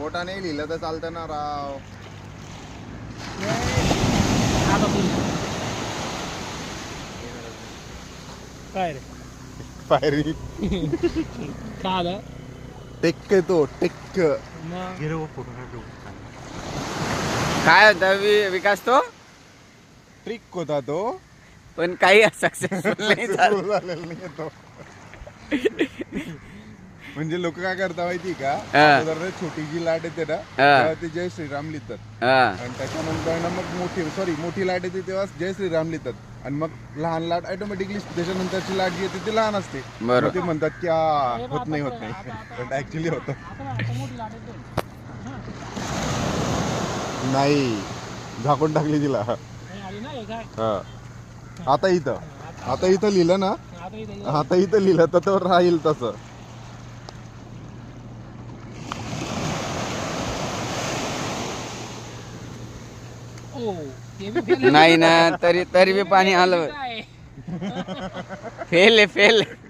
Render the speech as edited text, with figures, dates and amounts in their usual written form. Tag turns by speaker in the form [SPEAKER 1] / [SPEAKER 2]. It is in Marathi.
[SPEAKER 1] मोठा नाही लिहिलं तर चालतं ना राव.
[SPEAKER 2] काय रे
[SPEAKER 1] पायरी
[SPEAKER 2] का आलं
[SPEAKER 1] टेक्क तो टेक्क.
[SPEAKER 3] काय होता विकास तो
[SPEAKER 1] ट्रिक होता तो.
[SPEAKER 3] पण काही सक्सेसफुल नाही झालं.
[SPEAKER 1] सुरू झालेला नाही तो. म्हणजे लोक काय करता माहिती का,
[SPEAKER 3] हा.
[SPEAKER 1] अगोदर छोटी जी लाट येते ना
[SPEAKER 3] हा.
[SPEAKER 1] तेव्हा ते जय श्रीराम लिहितात.
[SPEAKER 3] हा
[SPEAKER 1] आणि त्याच्यानंतर ना मग मोठी लाट येते तेव्हा जय श्रीराम लिहितात. आणि मग लहान लाट ऑटोमॅटिकली त्याच्यानंतरची लाट जी येते ती लहान असते.
[SPEAKER 3] बरोबर.
[SPEAKER 1] मग ते म्हणतात की होत नाही पण ऍक्च्युली होतं. नाही झाकून टाकली तिला. हा. आता इथं लिहिलं ना, आता इथं लिहिलं तर तो राहील तसं.
[SPEAKER 3] नाही ना, तरी बी पाणी आलं. फेल आहे फेल.